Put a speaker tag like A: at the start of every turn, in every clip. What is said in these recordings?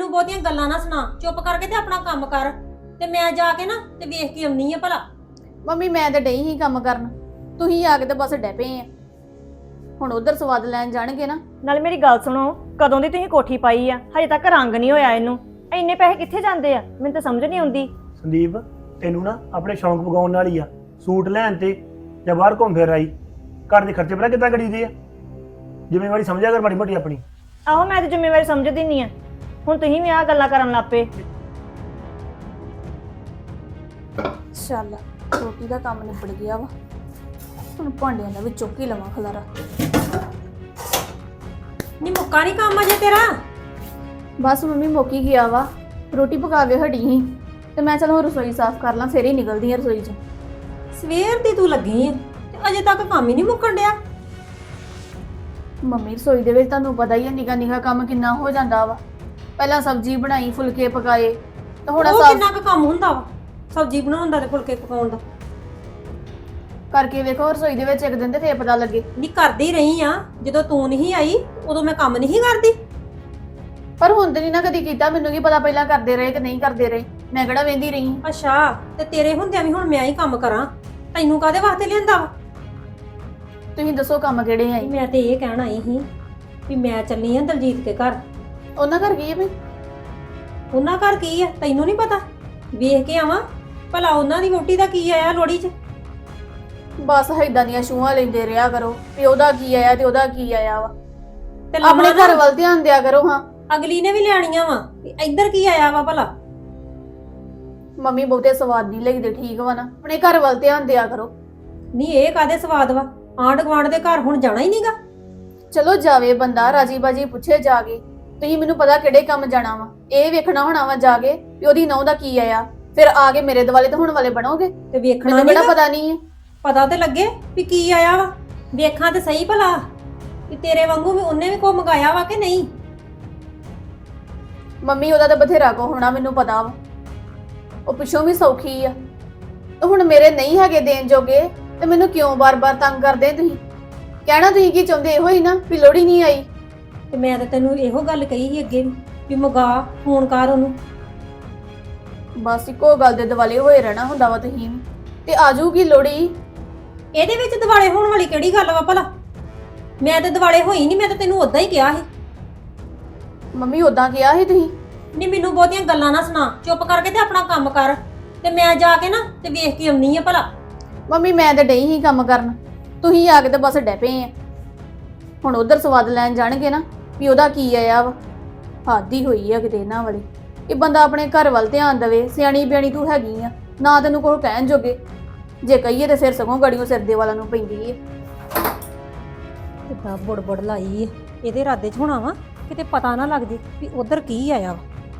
A: ਮੈਨੂੰ ਬਹੁਤੀਆਂ ਗੱਲਾਂ ਨਾ ਸੁਣਾ, ਚੁੱਪ ਕਰਕੇ ਤੇ ਆਪਣਾ ਕੰਮ ਕਰ ਤੇ ਮੈਂ ਜਾ ਕੇ ਨਾ ਤੇ ਵੇਖ ਕੇ ਆਉਣੀ ਆ ਭਲਾ।
B: ਮੰਮੀ ਮੈਂ ਤੇ ਡਈ ਹੀ ਕੰਮ ਕਰਨ, ਤੁਸੀਂ ਆ ਕੇ ਤੇ ਬਸ ਡੈ ਪਏ ਆ। ਹੁਣ ਉਧਰ ਸਵਾਦ ਲੈਣ ਜਾਣਗੇ ਨਾ।
C: ਨਾਲ ਮੇਰੀ ਗੱਲ ਸੁਣੋ, ਕਦੋਂ ਦੀ ਤੁਸੀਂ ਕੋਠੀ ਪਾਈ ਆ, ਹਜੇ ਤੱਕ ਰੰਗ ਨਹੀਂ ਹੋਇਆ ਇਹਨੂੰ। ਇੰਨੇ ਪੈਸੇ ਕਿੱਥੇ ਜਾਂਦੇ ਆ, ਮੈਨੂੰ ਤਾਂ ਸਮਝ ਨਹੀਂ ਆਉਂਦੀ।
D: ਸੰਦੀਪ ਤੈਨੂੰ ਨਾ ਆਪਣੇ ਸ਼ੌਂਕ ਪਗਾਉਣ ਨਾਲ ਹੀ ਆ, ਸੂਟ ਲੈਣ ਤੇ ਜਾਂ ਬਾਹਰ ਘੁੰਮ ਫਿਰ ਆਈ, ਘਰ ਦੇ ਖਰਚੇ ਪਤਾ ਕਿੱਦਾਂ ਕਰੀਦੇ ਆ। ਜ਼ਿੰਮੇਵਾਰੀ ਸਮਝਿਆ ਕਰ ਮਾੜੀ ਮੋਟੀ ਆਪਣੀ।
C: ਆਹੋ ਮੈਂ ਤਾਂ ਜ਼ਿੰਮੇਵਾਰੀ ਸਮਝਦੀ ਨਹੀਂ ਆ, ਹੁਣ ਤੁਸੀਂ ਵੀ ਆਹ ਗੱਲਾਂ ਕਰਨ ਲੱਗ ਪਏ।
B: ਚੱਲ ਰੋਟੀ ਦਾ ਕੰਮ ਨਿਬੜ ਗਿਆ ਵਾ, ਹੁਣ ਭਾਂਡਿਆਂ ਦਾ ਵੀ ਚੁੱਕ ਹੀ ਲਵਾਂ ਖਲਾਰਾ।
A: ਨਹੀਂ ਮੁੱਕਾ ਨਹੀਂ ਕੰਮ ਅਜੇ ਤੇਰਾ?
B: ਬਸ ਮੰਮੀ ਮੁੱਕ ਹੀ ਗਿਆ ਵਾ, ਰੋਟੀ ਪਕਾ ਕੇ ਹਟੀ ਸੀ ਤੇ ਮੈਂ ਚਲ ਹੁਣ ਰਸੋਈ ਸਾਫ਼ ਕਰ ਲਾਂ, ਫੇਰ ਹੀ ਨਿਕਲਦੀ ਆ ਰਸੋਈ 'ਚ।
A: ਸਵੇਰ ਦੀ ਤੂੰ ਲੱਗੀ ਆ ਤੇ ਅਜੇ ਤੱਕ ਕੰਮ ਹੀ ਨਹੀਂ ਮੁੱਕਣ ਡਿਆ।
B: ਮੰਮੀ ਰਸੋਈ ਦੇ ਵਿੱਚ ਤੁਹਾਨੂੰ ਪਤਾ ਹੀ ਹੈ ਨਿੱਕਾ ਨਿੱਕਾ ਕੰਮ ਕਿੰਨਾ ਹੋ ਜਾਂਦਾ ਵਾ। ਪਹਿਲਾਂ ਸਬਜ਼ੀ ਬਣਾਈ, ਫੁਲਕੇ ਪਕਾਏ, ਤੇ ਹੁਣ
A: ਉਹ
B: ਸਾਫ਼
A: ਕਿੰਨਾ ਕੁ ਕੰਮ ਹੁੰਦਾ ਵਾ ਸਬਜ਼ੀ ਬਣਾਉਣ ਦਾ ਤੇ ਫੁਲਕੇ ਪਕਾਉਣ ਦਾ।
B: ਕਰਕੇ ਵੇਖੋ ਰਸੋਈ ਦੇ ਵਿੱਚ ਇੱਕ ਦਿਨ ਤੇ ਫੇਰ ਪਤਾ ਲੱਗੇ।
A: ਨਹੀਂ ਕਰਦੀ ਰਹੀ ਆ, ਜਦੋਂ ਤੂੰ ਨਹੀਂ ਆਈ ਉਦੋਂ ਮੈਂ ਕੰਮ ਨਹੀਂ ਕਰਦੀ।
B: ਪਰ ਹੁਣ ਤੇ ਨਹੀਂ ਨਾ ਕਦੀ ਕੀਤਾ, ਮੈਨੂੰ ਕੀ ਪਤਾ ਪਹਿਲਾਂ ਕਰਦੇ ਰਹੇ ਕਿ ਨਹੀਂ ਕਰਦੇ ਰਹੇ, ਮੈਂ ਕਿਹੜਾ ਵੇਂਦੀ ਰਹੀ।
A: ਅੱਛਾ, ਤੇ ਤੇਰੇ ਹੁੰਦਿਆਂ ਵੀ ਹੁਣ ਮੈਂ ਹੀ ਕੰਮ ਕਰਾਂ? ਤੈਨੂੰ ਕਾਹਦੇ ਵਾਸਤੇ ਲਿਆਂਦਾ ਵਾ?
B: ਤੁਸੀਂ ਦੱਸੋ ਕੰਮ ਕਿਹੜੇ ਆਏ?
A: ਮੈਂ ਤੇ ਇਹ ਕਹਿਣ ਆਈ ਸੀ ਵੀ ਮੈਂ ਚੱਲੀ ਆ ਦਲਜੀਤ ਕੇ ਘਰ।
B: ਉਹਨਾਂ ਘਰ ਗਈ ਹੈ ਵੀ?
A: ਉਹਨਾਂ ਘਰ ਕੀ ਆ ਤੈਨੂੰ ਨਹੀਂ ਪਤਾ? ਵੇਖ ਕੇ ਆਵਾਂ ਭਲਾ ਉਹਨਾਂ ਦੀ ਵਹੁਟੀ ਦਾ ਕੀ ਆਇਆ ਲੋੜੀ 'ਚ।
B: ਬਸ ਏਦਾਂ ਦੀਆਂ ਛੂਹਾਂ ਲੈਂਦੇ ਰਿਹਾ ਕਰੋ ਵੀ ਉਹਦਾ ਕੀ ਆਇਆ ਤੇ ਉਹਦਾ ਕੀ ਆਇਆ ਵਾ।
A: ਤੇ
B: ਆਪਣੇ
A: ਲੰਮਾ
B: ਘਰ ਵੱਲ ਧਿਆਨ ਦਿਆ ਕਰੋ। ਹਾਂ
A: ਅਗਲੀ ਨੇ ਵੀ ਲੈਣੀਆਂ ਵਾ ਵੀ ਇੱਧਰ ਕੀ ਆਇਆ ਵਾ ਭਲਾ।
B: ਮੰਮੀ ਬਹੁਤੇ ਸਵਾਦ ਨਹੀਂ ਲੱਗਦੇ, ਠੀਕ ਵਾ ਨਾ? ਆਪਣੇ ਘਰ ਵੱਲ ਧਿਆਨ ਦਿਆ ਕਰੋ।
A: ਨਹੀਂ ਇਹ ਕਾਦੇ ਸਵਾਦ ਵਾ, ਆਂਢ ਗੁਆਂਢ ਦੇ ਘਰ ਹੁਣ ਜਾਣਾ ਹੀ ਨਹੀਂਗਾ।
B: ਚਲੋ ਜਾਵੇ ਬੰਦਾ, ਰਾਜੀ ਬਾਜੀ ਪੁੱਛੇ ਜਾ ਕੇ। ਤੁਸੀਂ ਮੈਨੂੰ ਪਤਾ ਕਿਹੜੇ ਕੰਮ ਜਾਣਾ ਵਾ, ਇਹ ਵੇਖਣਾ ਹੋਣਾ ਵਾ ਜਾ ਕੇ ਵੀ ਉਹਦੀ ਨਹੁੰ ਦਾ ਕੀ ਆਇਆ, ਫਿਰ ਆ ਕੇ ਮੇਰੇ ਦੁਆਲੇ ਤਾਂ ਹੁਣ ਵਾਲੇ ਬਣੋਗੇ।
A: ਤੇ ਵੇਖਣਾ
B: ਮੈਨੂੰ ਕਿਹੜਾ
A: ਨੀਗਾ?
B: ਪਤਾ ਨਹੀਂ ਹੈ।
A: ਪਤਾ ਤੇ ਲੱਗੇ ਵੀ ਕੀ ਆਇਆ ਵਾ, ਵੇਖਾਂ ਤੇ ਸਹੀ ਭਲਾ ਵੀ ਤੇਰੇ ਵਾਂਗੂ ਵੀ ਉਹਨੇ ਵੀ ਕੋ ਮੰਗਾਇਆ ਵਾ ਕਿ ਨਹੀਂ।
B: ਮੰਮੀ ਉਹਦਾ ਤਾਂ ਬਥੇਰਾ ਕੋ ਹੋਣਾ, ਮੈਨੂੰ ਪਤਾ ਵਾ। ਉਹ ਪਿੱਛੋਂ ਵੀ ਸੌਖੀ ਆ, ਤੇ ਹੁਣ ਮੇਰੇ ਨਹੀਂ ਹੈਗੇ ਦੇਣ ਜੋਗੇ ਤੇ ਮੈਨੂੰ ਕਿਉਂ ਬਾਰ-ਬਾਰ ਤੰਗ ਕਰਦੇ ਤੁਸੀਂ? ਕਹਿਣਾ ਤੁਸੀਂ ਕੀ ਚਾਹੁੰਦੇ, ਇਹੋ ਹੀ ਨਾ ਵੀ ਲੋੜੀ ਨਹੀਂ ਆਈ।
A: ਤੇ ਮੈਂ ਤਾਂ ਤੈਨੂੰ ਇਹੋ ਗੱਲ ਕਹੀ ਸੀ ਅੱਗੇ ਵੀ ਮੰਗਾ, ਫੋਨ ਕਰ ਉਹਨੂੰ।
B: ਬਸ ਇੱਕੋ ਗੱਲ ਦੇ ਦਿਵਾਲੇ ਹੋਏ ਰਹਿਣਾ ਹੁੰਦਾ ਵਾ ਤੁਸੀਂ ਵੀ। ਤੇ ਆਜੂਗੀ ਲੋੜੀ।
A: ਇਹਦੇ ਵਿੱਚ ਦਿਵਾਲੇ ਹੋਣ ਵਾਲੀ ਕਿਹੜੀ ਗੱਲ ਵਾ ਭਲਾ? ਮੈਂ ਤਾਂ ਦਿਵਾਲੇ ਹੋਈ ਨਹੀਂ, ਮੈਂ ਤਾਂ ਤੈਨੂੰ ਉਦਾਂ ਹੀ ਕਿਹਾ ਸੀ।
B: ਮੰਮੀ ਉਦਾਂ ਕਿਹਾ ਸੀ ਤੁਸੀਂ?
A: ਨਹੀਂ ਮੈਨੂੰ ਬਹੁਤੀਆਂ ਗੱਲਾਂ ਨਾ ਸੁਣਾ, ਚੁੱਪ ਕਰਕੇ ਤੇ ਆਪਣਾ ਕੰਮ ਕਰ ਤੇ ਮੈਂ ਜਾ ਕੇ ਨਾ ਤੇ ਵੇਖ ਕੇ ਆਉਣੀ ਆ ਭਲਾ।
B: ਮੰਮੀ ਮੈਂ ਤਾਂ ਡਈ ਹੀ ਕੰਮ ਕਰਨ, ਤੁਸੀਂ ਆ ਕੇ ਤੇ ਬਸ ਡੈ ਪਏ ਆ। ਹੁਣ ਉਧਰ ਸਵਾਦ ਲੈਣ ਜਾਣਗੇ ਨਾ ਵੀ ਉਹਦਾ ਕੀ ਆਇਆ ਵਾ। ਹਾਦੀ ਹੋਈ ਆ ਕਿਤੇ ਇਹਨਾਂ ਵਾਲੀ। ਇਹ ਬੰਦਾ ਆਪਣੇ ਘਰ ਵੱਲ ਧਿਆਨ ਦੇਵੇ, ਸਿਆਣੀ ਬਿਆਣੀ ਤੂੰ ਹੈਗੀ ਆ ਨਾ, ਤੈਨੂੰ ਕੋਈ ਕਹਿਣ ਜੋਗੇ। ਜੇ ਕਹੀਏ ਤੇ ਫਿਰ ਸਗੋਂ ਗੜੀਓ ਸਿਰ ਦੇ ਵਾਲਾ ਨੂੰ ਪੈਂਦੀ ਏ।
A: ਕਿੱਦਾਂ ਬੁੜਬੁੜ ਲਾਈ ਏ, ਇਹਦੇ ਇਰਾਦੇ 'ਚ ਹੋਣਾ ਵਾ ਕਿਤੇ ਪਤਾ ਨਾ ਲੱਗ ਜੇ ਵੀ ਉਧਰ ਕੀ ਆਇਆ ਵਾ।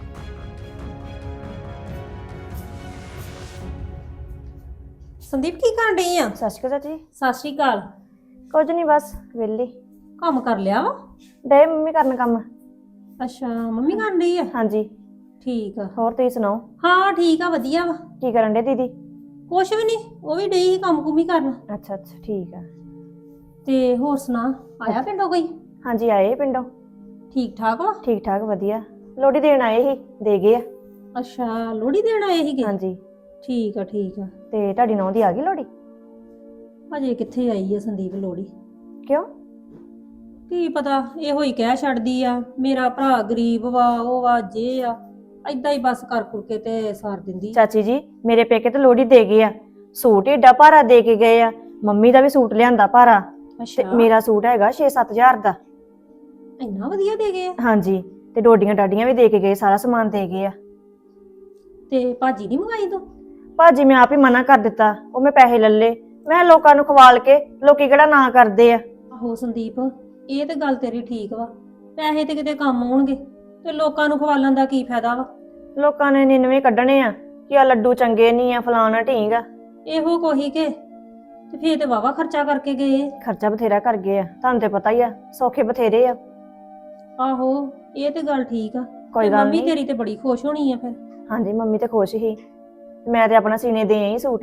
A: ਸੰਦੀਪ ਕੀ ਕਰਨ ਡਈ ਆ?
C: ਸਤਿ ਸ਼੍ਰੀ ਅਕਾਲ ਚਾਚੀ।
A: ਸਤਿ ਸ਼੍ਰੀ ਅਕਾਲ।
C: ਕੁਝ ਨਹੀਂ, ਬਸ ਵਿਹਲੀ।
A: ਕੰਮ ਕਰ ਲਿਆ ਵਾ?
C: ਡੇ ਮੰਮੀ ਕਰਨ ਕੰਮ।
A: ਅੱਛਾ ਮੰਮੀ ਕਰਨ ਡਈ ਆ?
C: ਹਾਂਜੀ
A: ਠੀਕ ਆ।
C: ਹੋਰ ਤੁਸੀਂ ਸੁਣਾਓ,
A: ਹਾਂ ਠੀਕ ਆ, ਵਧੀਆ ਵਾ।
C: ਕੀ ਕਰਨ ਡੇ ਦੀਦੀ?
A: ਕੁਛ ਵੀ ਨਹੀਂ, ਉਹ ਵੀ ਡਈ ਸੀ ਕੰਮ ਕੁਮੀ ਕਰਨ।
C: ਅੱਛਾ ਅੱਛਾ ਠੀਕ ਆ।
A: ਤੇ ਹੋਰ ਸੁਣਾ, ਆਇਆ ਪਿੰਡੋਂ ਕੋਈ?
C: ਹਾਂਜੀ ਆਏ ਪਿੰਡੋਂ।
A: ਠੀਕ ਠਾਕ ਵਾ?
C: ਠੀਕ ਠਾਕ ਵਧੀਆ, ਲੋੜੀ ਦੇਣ ਆਏ ਸੀ, ਦੇ ਗਏ ਆ।
A: ਅੱਛਾ ਲੋਹੜੀ ਦੇਣ ਆਏ ਸੀਗੇ?
C: ਹਾਂਜੀ।
A: ਠੀਕ ਆ ਠੀਕ ਆ।
C: ਤੇ ਤੁਹਾਡੀ ਨੌਂ ਦੀ ਆ ਗਈ ਲੋੜੀ?
A: ਅਜੇ ਕਿੱਥੇ ਆਈ ਆ ਸੰਦੀਪ ਲੋਹੜੀ?
C: ਕਿਉਂ?
A: ਕੀ ਪਤਾ, ਇਹੋ ਹੀ ਕਹਿ ਛੱਡਦੀ ਆ ਮੇਰਾ ਭਰਾ ਗਰੀਬ ਵਾ, ਉਹ ਵਾ ਜੇ ਆ, ਏਦਾਂ ਹੀ ਬਸ ਕਰ ਕੁਰ ਕੇ ਤੇ ਸਾਰ ਦਿੰਦੀ।
C: ਚਾਚੀ ਜੀ ਮੇਰੇ ਪੇਕੇ ਤੇ ਲੋੜੀ ਦੇ ਗਏ ਆ, ਸੂਟ ਏਡਾ ਭਾਰਾ ਦੇ ਕੇ ਗਏ ਆ। ਮੰਮੀ ਦਾ ਵੀ ਸੂਟ ਲਿਆਂਦਾ ਭਾਰਾ, ਤੇ
A: ਅੱਛਾ
C: ਮੇਰਾ ਸੂਟ ਹੈਗਾ 6-7 ਹਜ਼ਾਰ ਦਾ।
A: ਇੰਨਾ ਵਧੀਆ ਦੇ ਗਏ ਆ?
C: ਹਾਂਜੀ, ਤੇ ਡੋਡੀਆਂ ਡਾਡੀਆਂ ਵੀ ਦੇ ਕੇ ਗਏ, ਸਾਰਾ ਸਮਾਨ ਦੇ ਗਏ ਆ।
A: ਤੇ ਭਾਜੀ ਨਹੀਂ ਮੰਗਾਈ ਤੂੰ?
C: ਭਾਜੀ ਮੈਂ ਆਪ ਹੀ ਮਨਾ ਕਰ ਦਿੱਤਾ, ਉਹ ਮੈਂ ਪੈਸੇ ਲੱਲੇ, ਮੈਂ ਲੋਕਾਂ ਨੂੰ ਖਵਾਲ ਕੇ, ਲੋਕੀ ਕਿਹੜਾ ਨਾ ਕਰਦੇ ਆ।
A: ਆਹੋ ਸੰਦੀਪ ਇਹ ਤੇ ਗੱਲ ਤੇਰੀ ਠੀਕ ਵਾ, ਪੈਸੇ ਤੇ ਕਿਤੇ ਕੰਮ ਆਉਣਗੇ ਤੇ ਲੋਕਾਂ ਨੂੰ ਖਵਾਲਣ ਦਾ ਕੀ ਫਾਇਦਾ ਵਾ?
C: ਲੋਕਾਂ ਨੇ 99 ਕੱਢਣੇ ਆ ਕਿ ਆ ਲੱਡੂ ਚੰਗੇ ਨਹੀਂ ਆ, ਫਲਾਣਾ ਢੀਂਗ ਆ।
A: ਇਹੋ ਕੋਹੀ ਕੇ ਤੇ ਫੇਰ ਤੇ ਵਾਵਾ ਖਰਚਾ ਕਰਕੇ ਗਏ।
C: ਖਰਚਾ ਬਥੇਰਾ ਕਰ ਗਏ ਆ, ਤੁਹਾਨੂੰ ਤੇ ਪਤਾ ਹੀ ਆ, ਸੌਖੇ ਬਥੇਰੇ ਆ।
A: ਆਹੋ ਇਹ ਤੇ ਗੱਲ ਠੀਕ ਆ।
C: ਕੋਈ
A: ਤੇ
C: ਗੱਲ
A: ਮੰਮੀ
C: ਨਹੀਂ।
A: ਤੇਰੀ ਤੇ ਬੜੀ ਖੁਸ਼ ਹੋਣੀ ਆ ਫਿਰ।
C: ਹਾਂਜੀ ਮੰਮੀ ਤੇ ਖੁਸ਼ ਹੀ, ਮੈਂ ਤੇ ਆਪਣਾ ਸੀਨੇ ਦੇ ਆਈ ਸੂਟ।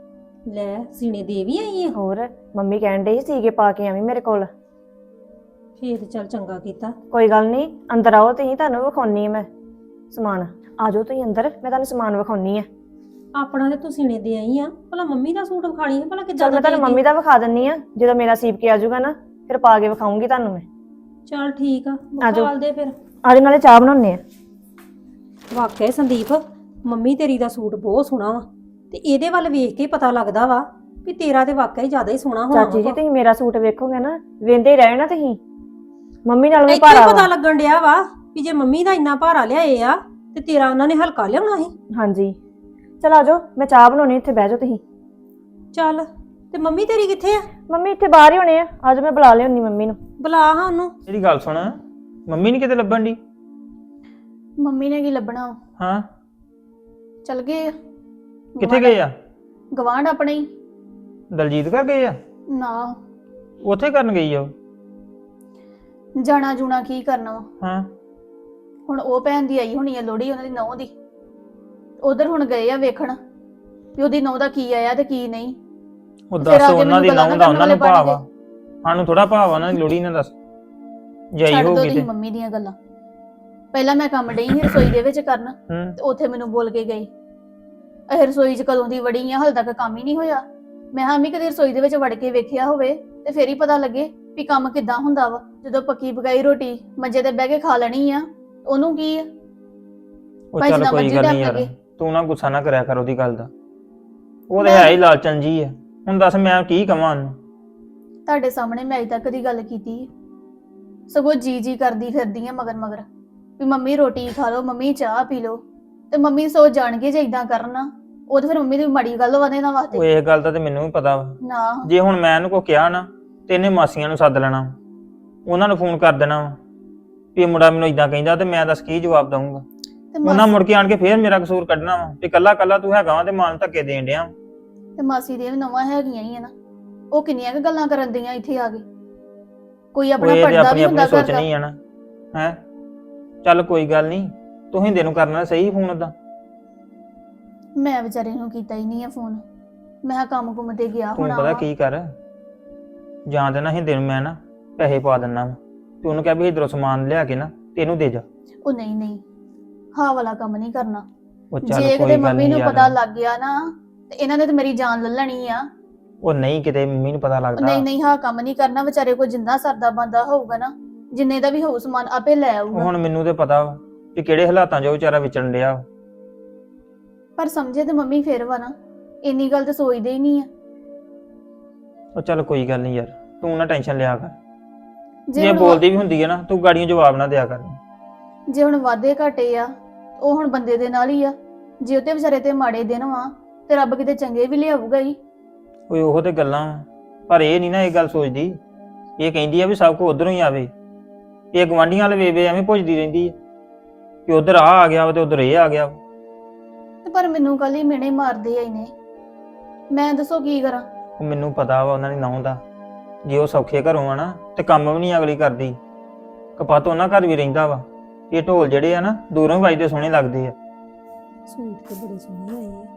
A: ਲੈ ਸੀਨੇ ਦੇ ਵੀ ਆਈ ਆ?
C: ਹੋਰ ਮੰਮੀ ਕਹਿਣ ਡਈ ਸੀਗੇ ਪਾ ਕੇ ਆਵੀਂ ਮੇਰੇ ਕੋਲ।
A: ਫੇਰ ਤੇ ਚੱਲ ਚੰਗਾ ਕੀਤਾ।
C: ਕੋਈ ਗੱਲ ਨਹੀਂ, ਅੰਦਰ ਆਓ ਤੁਸੀਂ, ਤੁਹਾਨੂੰ ਵਿਖਾਉਣੀ ਆ ਮੈਂ ਸਮਾਨ। ਆ ਜਾਓ ਤੁਸੀਂ ਅੰਦਰ, ਮੈਂ ਤੁਹਾਨੂੰ ਸਮਾਨ ਵਿਖਾਉਣੀ ਆ।
A: ਆਪਣਾ ਤੇ ਤੂੰ ਸੀਨੇ ਦੇ ਆਈ ਆ, ਭਲਾ ਮੰਮੀ ਦਾ ਸੂਟ ਵਿਖਾਣੀ ਹੈ ਭਲਾ ਕਿੱਦਾਂ
C: ਚਲ
A: ਦਾ
C: ਮੈਂ ਤੁਹਾਨੂੰ
A: ਦੇਈਂ?
C: ਮੰਮੀ ਦਾ ਵਿਖਾ ਦਿੰਨੀ ਆ, ਜਦੋਂ ਮੇਰਾ ਸੀਪ ਕੇ ਆ ਜਾਊਗਾ ਨਾ ਫਿਰ ਪਾ ਕੇ ਵਿਖਾਉਂਗੀ ਤੁਹਾਨੂੰ ਮੈਂ।
A: ਚੱਲ ਠੀਕ ਆ,
C: ਆਜੋ।
A: ਵਿਖਾਲ ਦੇ ਫਿਰ।
C: ਆਜੋ ਨਾਲੇ ਚਾਹ ਬਣਾਉਣੇ ਆ।
A: ਵਾਕਿਆ ਸੰਦੀਪ, ਮੰਮੀ ਤੇਰੀ ਦਾ ਸੂਟ ਬਹੁਤ ਸੋਹਣਾ ਵਾ ਤੇ ਇਹਦੇ ਵੱਲ ਵੇਖ ਕੇ ਹੀ ਪਤਾ ਲੱਗਦਾ ਵਾ ਵੀ ਤੇਰਾ ਤੇ ਵਾਕਿਆ ਹੀ ਜ਼ਿਆਦਾ ਹੀ ਸੋਹਣਾ ਹੋਣਾ
C: ਚਾਚੀ ਜੀ
A: ਵਾ।
C: ਤੁਸੀਂ ਮੇਰਾ ਸੂਟ ਵੇਖੋਗੇ ਨਾ, ਵੇਂਦੇ ਹੀ ਰਹਿ ਨਾ ਤੁਸੀਂ। ਮੰਮੀ ਨਾਲ ਵੀ
A: ਇੱਥੇ ਹੀ
C: ਭਾਰਾ
A: ਪਤਾ
C: ਵਾ।
A: ਲੱਗਣ ਡਿਆ ਵਾ ਵੀ ਜੇ ਮੰਮੀ ਦਾ ਇੰਨਾ ਭਾਰਾ ਲਿਆਏ ਆ ਤੇ ਤੇਰਾ ਉਹਨਾਂ ਨੇ ਹਲਕਾ ਲਿਆਉਣਾ ਸੀ।
C: ਹਾਂਜੀ ਚਲ ਆਜੋ, ਮੈਂ ਚਾਹ ਬਣਾਉਣੀ, ਇੱਥੇ ਬਹਿ ਜਾਓ ਤੁਸੀਂ।
A: ਚੱਲ, ਤੇ ਮੰਮੀ ਤੇਰੀ ਕਿੱਥੇ ਆ?
C: ਮੰਮੀ ਇੱਥੇ ਬਾਹਰ ਹੀ ਹੋਣੇ ਆ, ਅੱਜ ਮੈਂ ਬੁਲਾ ਲਿਆਉਣੀ ਮੰਮੀ ਨੂੰ।
A: ਬੁਲਾ ਹਾਂ ਉਹਨੂੰ।
E: ਮੇਰੀ ਗੱਲ ਸੁਣ, ਮੰਮੀ ਨਹੀਂ ਕਿਤੇ ਲੱਭਣ ਦੀ?
B: ਮੰਮੀ ਨੇ ਕੀ ਲੱਭਣਾ ਵਾ?
E: ਹਾਂ,
B: ਚਲ ਗਏ ਆ
E: ਕਿੱਥੇ ਗਏ ਆ?
B: ਗਵਾਂਢ ਆਪਣੇ ਹੀ।
E: ਦਲਜੀਤ ਘਰ ਗਏ ਆ?
B: ਨਾ,
E: ਉੱਥੇ ਕਰਨ ਗਈ ਆ ਉਹ?
B: ਜਾਣਾ ਜੂਣਾ ਕੀ ਕਰਨਾ ਵਾ?
E: ਹਾਂ,
B: ਹੁਣ ਉਹ ਭੈਣ ਦੀ ਆਈ ਹੋਣੀ ਆ ਲੋਹੜੀ, ਉਹਨਾਂ ਦੀ ਨਹੁੰ ਦੀ। ਉਧਰ ਹੁਣ ਗਏ ਆ ਵੇਖਣ ਵੀ ਉਹਦੀ ਨਹੁੰ ਦਾ ਕੀ ਆਇਆ ਤੇ ਕੀ ਨਹੀਂ।
E: ਉਹ
B: ਫਿਰ
E: ਦੱਸ
B: ਆ ਕੇ
E: ਉਹਨਾਂ ਦੀ
B: ਮੈਨੂੰ
E: ਨਹੁੰ ਦਾ
B: ਗੱਲਾਂ
E: ਉਹਨਾਂ ਨੂੰ
B: ਕਰਨ ਵਾਲੇ
E: ਭਾਵ ਆ, ਸਾਨੂੰ ਥੋੜਾ ਭਾਵ ਆ ਉਹਨਾਂ ਦੀ ਲੋੜੀ ਨਾਲ। ਦੱਸ ਜਾਈ
B: ਛੱਡ ਦੋ
E: ਹੋਊਗੀ
B: ਤੁਸੀਂ
E: ਤੇ
B: ਮੰਮੀ ਦੀਆਂ ਗੱਲਾਂ। ਪਹਿਲਾਂ ਮੈਂ ਕੰਮ ਡਈ ਸੀ ਰਸੋਈ ਦੇ ਵਿੱਚ ਕਰਨ,
E: ਹੂੰ,
B: ਤੇ ਉੱਥੇ ਮੈਨੂੰ ਬੋਲ ਕੇ ਗਏ ਇਹ ਰਸੋਈ 'ਚ ਕਦੋਂ ਦੀ ਵੜੀ ਆ, ਹਾਲੇ ਤੱਕ ਕੰਮ ਹੀ ਨਹੀਂ ਹੋਇਆ। ਮੈਂ ਹਾਂ ਵੀ ਕਦੇ ਰਸੋਈ ਦੇ ਵਿੱਚ ਵੜ ਕੇ ਵੇਖਿਆ ਹੋਵੇ ਤੇ ਫੇਰ ਹੀ ਪਤਾ ਲੱਗੇ ਵੀ ਕੰਮ ਕਿੱਦਾਂ ਹੁੰਦਾ ਵਾ। ਜਦੋਂ ਪੱਕੀ ਪਕਾਈ ਰੋਟੀ ਮੰਜੇ ਤੇ ਬਹਿ ਕੇ ਖਾ ਲੈਣੀ ਆ, ਉਹਨੂੰ ਕੀ ਆ?
E: ਉਹ
B: ਭਾਈ
E: ਚੱਲ
B: ਜਿੱਦਾਂ
E: ਕੋਈ
B: ਮਰਜ਼ੀ
E: ਗੱਲ
B: ਟਾਈਮ
E: ਨਹੀਂ ਯਾਰ,
B: ਲੱਗੇ।
E: ਤੂੰ ਨਾ ਗੁੱਸਾ ਨਾ ਕਰਿਆ ਕਰ ਉਹਦੀ ਗੱਲ ਦਾ। ਉਹ ਤੇ
B: ਮੈਂ-
E: ਹੈ ਹੀ ਲਾਲਚਨ ਜੀ ਆ। ਹੁਣ ਦੱਸ ਮੈਂ ਕੀ ਕਵਾਂ ਉਹਨੂੰ?
B: ਤੁਹਾਡੇ ਸਾਹਮਣੇ ਮੈਂ ਅਜੇ ਤੱਕ ਦੀ ਗੱਲ ਕੀਤੀ ਹੈ। ਸਗੋਂ ਜੀ ਕਰਦੀ ਫਿਰਦੀ ਆ ਮਗਰ ਮਗਰ ਵੀ ਮੰਮੀ ਰੋਟੀ ਖਾ ਲਓ, ਮੰਮੀ ਚਾਹ ਪੀ ਲਓ। ਤੇ ਮੰਮੀ ਸੋਚ ਜਾਣਗੇ ਜੇ ਇਦਾਂ ਕਰਨਾ, ਉਹ ਤੇ ਫਿਰ ਮੰਮੀ ਦੀ ਮਾੜੀ ਗੱਲ ਵਧੇ ਨਾ
E: ਉਹ
B: ਵਾਸਤੇ।
E: ਇਹ ਗੱਲ ਦਾ ਤੇ ਮੈਨੂੰ ਵੀ ਪਤਾ ਵਾ।
B: ਨਾ,
E: ਜੇ ਹੁਣ ਮੈਂ ਇਹਨੂੰ ਕੋ ਕਿਹਾ ਨਾ ਤੇ ਇਹਨੇ ਮਾਸੀਆਂ ਨੂੰ ਸੱਦ ਲੈਣਾ, ਉਹਨਾਂ ਨੂੰ ਫੋਨ ਕਰ ਦੇਣਾ ਵਾ ਵੀ ਇਹ ਮੁੰਡਾ ਮੈਨੂੰ ਇਦਾਂ ਕਹਿੰਦਾ, ਤੇ ਮੈਂ ਦੱਸ ਕੀ ਜਵਾਬ ਦਊਂਗਾ?
B: ਤੇ
E: ਉਹਨਾਂ ਮੁੜ ਕੇ ਆਣ ਕੇ ਫੇਰ ਮੇਰਾ ਕਸੂਰ ਕੱਢਣਾ ਵਾ ਤੇ ਕੱਲਾ ਕੱਲਾ ਤੂੰ ਹੈਗਾ ਵਾ ਤੇ ਮਾਂ ਨੂੰ ਧੱਕੇ ਦੇਣ ਡਿਆ।
B: ਤੇ ਮਾਸੀ ਦੀਆਂ ਵੀ ਨਵਾਂ ਹੈਗੀਆਂ ਹੀ ਆ ਨਾ, ਉਹ ਕਿੰਨੀਆਂ ਕੁ ਗੱਲਾਂ ਕਰਨ ਦੀਆਂ ਇੱਥੇ ਆ ਕੇ। ਕੋਈ
E: ਉਹ
B: ਆਪਣਾ
E: ਇਹ ਤੇ
B: ਪੜਦਾ
E: ਆਪਣੀ
B: ਵੀ
E: ਆਪਣੀ
B: ਹੁੰਦਾ ਘਰ ਦਾ।
E: ਸੋਚਣੀ ਆ ਨਾ। ਹੈ ਚੱਲ ਕੋਈ ਗੱਲ ਨਹੀਂ, ਤੂੰ ਹਿੰਦੇ ਨੂੰ ਕਰਨਾ ਸਹੀ ਫੋਨ ਓਦਾਂ।
B: ਮੈਂ ਵਿਚਾਰੇ ਨੂੰ ਕੀਤਾ ਹੀ ਨਹੀਂ ਆ ਫੋਨ। ਮੈਂ ਕਿਹਾ ਕੰਮ ਕੁੰਮ ਤੇ ਗਿਆ
E: ਤੂੰ
B: ਹੋਣਾ
E: ਪਤਾ
B: ਵਾ।
E: ਕੀ ਕਰ, ਜਾਂ ਤੇ ਨਾ ਹਿੰਦੇ ਨੂੰ ਮੈਂ ਨਾ ਪੈਸੇ ਪਾ ਦਿੰਨਾ ਵਾ ਤੇ ਉਹਨੂੰ ਕਹਿ ਵੀ ਇਧਰੋਂ ਸਮਾਨ ਲਿਆ ਕੇ ਨਾ ਤੇ ਇਹਨੂੰ ਦੇ ਜਾ।
B: ਉਹ ਨਹੀਂ ਨਹੀਂ, ਹਾਂ ਵਾਲਾ ਕੰਮ ਨਹੀਂ ਕਰਨਾ।
E: ਉਹ ਚੱਲ
B: ਜੇ
E: ਕੋਈ
B: ਕਿਤੇ
E: ਗੱਲ
B: ਮੰਮੀ
E: ਨਹੀਂ
B: ਨੂੰ
E: ਯਾਰ।
B: ਪਤਾ ਲੱਗ ਗਿਆ ਨਾ ਤੇ ਇਹਨਾਂ ਨੇ ਤੇ ਮੇਰੀ ਜਾਨ ਲੈ ਲੈਣੀ ਆ।
E: ਉਹ ਨਹੀਂ ਕਿਤੇ ਮੰਮੀ ਨੂੰ ਪਤਾ ਲੱਗਦਾ।
B: ਨਹੀਂ ਨਹੀਂ, ਹਾਂ ਕੰਮ ਨਹੀਂ ਕਰਨਾ। ਵਿਚਾਰੇ ਕੋ ਜਿੰਨਾ ਸਰਦਾ ਬੰਦਾ ਹੋਊਗਾ ਨਾ, ਜਿੰਨੇ ਦਾ ਵੀ ਹੋਊ ਸਮਾਨ ਆਪੇ ਲੈ
E: ਉਹ
B: ਆਊਗਾ।
E: ਹੁਣ ਮੈਨੂੰ ਤੇ ਪਤਾ ਵਾ ਕਿ ਕਿਹੜੇ ਹਾਲਾਤਾਂ 'ਚ ਉਹ ਵਿਚਾਰਾ ਵਿਚਰਨ ਡਿਆ ਵਾ।
B: ਪਰ ਸਮਝੇ ਤੇ ਮੰਮੀ ਫੇਰ ਵਾ ਨਾ, ਇੰਨੀ ਗੱਲ ਤੇ ਸੋਚਦੇ ਹੀ ਨਹੀਂ ਆ।
E: ਉਹ ਚੱਲ ਕੋਈ ਗੱਲ ਨਹੀਂ ਯਾਰ, ਤੂੰ ਨਾ ਟੈਨਸ਼ਨ ਲਿਆ ਕਰ। ਜੇ
B: ਹੁਣ
E: ਬੋਲਦੀ ਵੀ ਹੁੰਦੀ ਹੈ ਨਾ, ਤੂੰ ਗਾੜੀਆਂ ਜਵਾਬ ਨਾ ਦਿਆ ਕਰ।
B: ਜੇ ਹੁਣ ਵਾਧੇ ਘਾਟੇ ਆ, ਉਹ ਹੁਣ ਬੰਦੇ ਦੇ ਨਾਲ ਹੀ ਆ। ਜੇ ਉਹਤੇ ਵਿਚਾਰੇ ਤੇ ਮਾੜੇ ਦਿਨ ਵਾ ਤੇ ਰੱਬ ਕਿਤੇ ਚੰਗੇ ਵੀ ਲਿਆਊਗਾ ਹੀ।
E: ਓਏ ਉਹ ਤੇ ਗੱਲਾਂ ਵਾਂ, ਪਰ ਇਹ ਨਹੀਂ ਨਾ ਇਹ ਗੱਲ ਸੋਚਦੀ। ਇਹ ਕਹਿੰਦੀ ਆ ਵੀ ਸਭ ਕੁਝ ਉਧਰੋਂ ਹੀ ਆਵੇ। ਇਹ ਗਵਾਂਢੀਆਂ ਵਾਲੇ ਵੇ ਐਵੇਂ ਭੁੱਜਦੀ ਰਹਿੰਦੀ ਹੈ ਕਿ ਉਧਰ ਆ ਗਿਆ ਵਾ ਤੇ ਉਧਰ ਇਹ ਆ ਗਿਆ ਵਾ।
B: ਤੇ ਪਰ ਮੈਨੂੰ ਕੱਲ ਹੀ ਮਿਹਣੇ ਮਾਰਦੇ ਆ ਇਹਨੇ, ਮੈਂ ਦੱਸੋ ਕੀ ਕਰਾਂ?
E: ਉਹ ਮੈਨੂੰ ਪਤਾ ਵਾ ਉਹਨਾਂ ਦੀ ਨਹੁੰ ਦਾ। ਜੇ ਉਹ ਸੌਖੇ ਘਰੋਂ ਆ ਨਾ ਤੇ ਕੰਮ ਵੀ ਨਹੀਂ ਅਗਲੀ ਕਰਦੀ। ਕਪਾਤ ਉਹਨਾਂ ਘਰ ਵੀ ਰਹਿੰਦਾ ਵਾ। ਇਹ ਢੋਲ ਜਿਹੜੇ ਆ ਨਾ ਦੂਰੋਂ ਹੀ ਵੱਜਦੇ ਸੋਹਣੇ ਲੱਗਦੇ ਆ।
A: ਸੂਟ ਤੇ ਬੜੇ ਸੋਹਣੇ ਆਏ ਆ।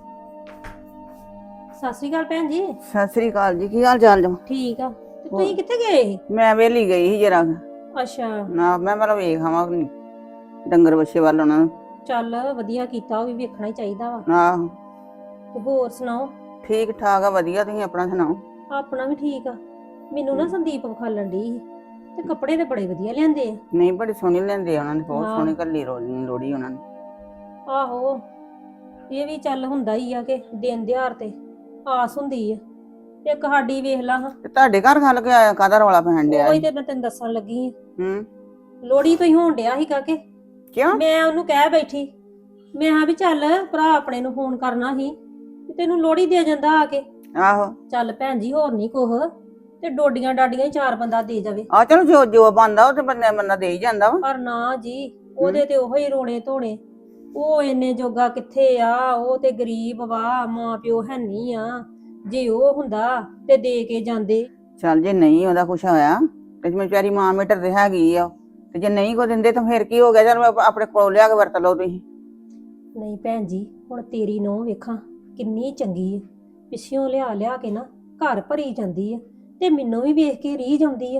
A: ਸਤਿ ਸ਼੍ਰੀ ਅਕਾਲ ਭੈਣ ਜੀ।
F: ਸਤਿ ਸ੍ਰੀ ਅਕਾਲ ਜੀ, ਕੀ ਹਾਲ ਚਾਲ ਜੀ?
A: ਠੀਕ ਆ, ਤੇ ਤੁਸੀਂ ਕਿੱਥੇ ਗਏ ਸੀ?
F: ਮੈਂ ਵੇਲੀ ਗਈ ਸੀ ਜਰਾ।
A: ਅੱਛਾ,
F: ਨਾ ਮੈਂ ਮਤਲਬ ਵੇਖ ਆਵਾਂ ਡੰਗਰ ਬੱਛੇ ਵੱਲ ਉਹਨਾਂ ਨੂੰ।
A: ਚੱਲ ਵਧੀਆ ਕੀਤਾ, ਉਹ ਵੀ ਵੇਖਣਾ ਹੀ ਚਾਹੀਦਾ ਵਾ।
F: ਆਹੋ,
A: ਤੇ ਹੋਰ ਸੁਣਾਓ?
F: ਠੀਕ ਠਾਕ ਆ, ਵਧੀਆ। ਤੁਸੀਂ ਆਪਣਾ ਸੁਣਾਓ?
A: ਆਪਣਾ ਵੀ ਠੀਕ ਆ। ਮੈਨੂੰ ਨਾ ਸੰਦੀਪ ਵਿਖਾਲਣ ਡਈ ਸੀ ਤੇ ਕੱਪੜੇ ਤੇ ਬੜੇ ਵਧੀਆ ਲਿਆਂਦੇ ਆ।
F: ਨਹੀਂ, ਬੜੀ ਸੋਹਣੀ ਲੈਂਦੇ ਆ ਉਹਨਾਂ ਨੇ, ਬਹੁਤ
A: ਹਾਂ।
F: ਸੋਹਣੀ ਕੱਲੀ ਲੋੜੀ ਉਹਨਾਂ ਨੇ।
A: ਆਹੋ, ਇਹ ਵੀ ਚੱਲ ਹੁੰਦਾ ਹੀ ਆ ਕਿ ਦਿਨ ਦਿਹਾੜ ਤੇ ਆਸ ਹੁੰਦੀ ਆ। ਇੱਕ ਸਾਡੀ ਵੇਖ ਲਾ ਹਾਂ,
F: ਤੇ ਤੁਹਾਡੇ ਘਰ ਖਲ ਕੇ ਆਇਆ, ਕਾਹਦਾ ਰੌਲਾ ਪੈਣ ਡਿਆ?
A: ਉਹੀ ਤੇ ਮੈਂ ਤੈਨੂੰ ਦੱਸਣ ਲੱਗੀ ਆ।
F: ਹੂੰ,
A: ਲੋੜੀ ਤੋਂ ਹੀ ਹੋਣ ਡਿਆ ਸੀ ਕਾਕੇ।
F: ਕਿਉਂ?
A: ਮੈਂ ਉਹਨੂੰ ਕਹਿ ਬੈਠੀ, ਮੈਂ ਹਾਂ ਵੀ ਚੱਲ ਭਰਾ ਆਪਣੇ ਨੂੰ ਫੋਨ ਕਰਨਾ ਸੀ ਵੀ ਤੈਨੂੰ ਲੋੜੀ ਦੇ ਜਾਂਦਾ ਆ ਕੇ।
F: ਆਹੋ,
A: ਚੱਲ ਭੈਣ ਜੀ ਹੋਰ ਨਹੀਂ ਕੁਛ, ਤੇ ਡੋਡੀਆਂ ਡਾਡੀਆਂ ਹੀ 4 ਬੰਦਾ ਦੇ ਜਾਵੇ।
F: ਆ ਚਲੋ ਜੋ ਬੰਦਾ ਉਹ ਤੇ ਬੰਦਾ ਦੇ ਹੀ ਜਾਂਦਾ ਵਾ।
A: ਪਰ ਨਾ ਜੀ, ਉਹਦੇ ਤੇ ਉਹੋ ਹੀ ਰੋਣੇ ਧੋਣੇ। ਉਹ ਇੰਨੇ ਜੋਗਾ ਕਿੱਥੇ ਆ, ਉਹ ਤੇ ਗਰੀਬ ਵਾ, ਮਾਂ ਪਿਓ ਹੈ ਨਹੀਂ ਆ। ਜੇ ਉਹ ਹੁੰਦਾ ਤੇ ਦੇ ਕੇ ਜਾਂਦੇ।
F: ਚੱਲ ਜੇ ਨਹੀਂ ਉਹਦਾ ਕੁਛ ਹੋਇਆ ਤੇ ਜਿਵੇਂ ਵਿਚਾਰੀ ਮਾਂ ਮੀਟਰ ਤੇ ਹੈਗੀ ਆ, ਤੇ ਜੇ ਨਹੀਂ ਕੋ ਦਿੰਦੇ ਤਾਂ ਫਿਰ ਕੀ ਹੋ ਗਿਆ? ਚਲ ਆਪਣੇ ਕੋਲ ਲਿਆ ਕੇ ਵਰਤ ਲਓ ਤੁਸੀਂ।
A: ਨਹੀਂ ਭੈਣ ਜੀ, ਹੁਣ ਤੇਰੀ ਨੂੰਹ ਵੇਖਾਂ ਕਿੰਨੀ ਚੰਗੀ ਹੈ, ਪਿੱਛਿਓਂ ਲਿਆ ਲਿਆ ਕੇ ਨਾ ਘਰ ਭਰੀ ਜਾਂਦੀ ਹੈ, ਤੇ ਮੈਨੂੰ ਵੀ ਵੇਖ ਕੇ ਰੀਝ ਆਉਂਦੀ ਹੈ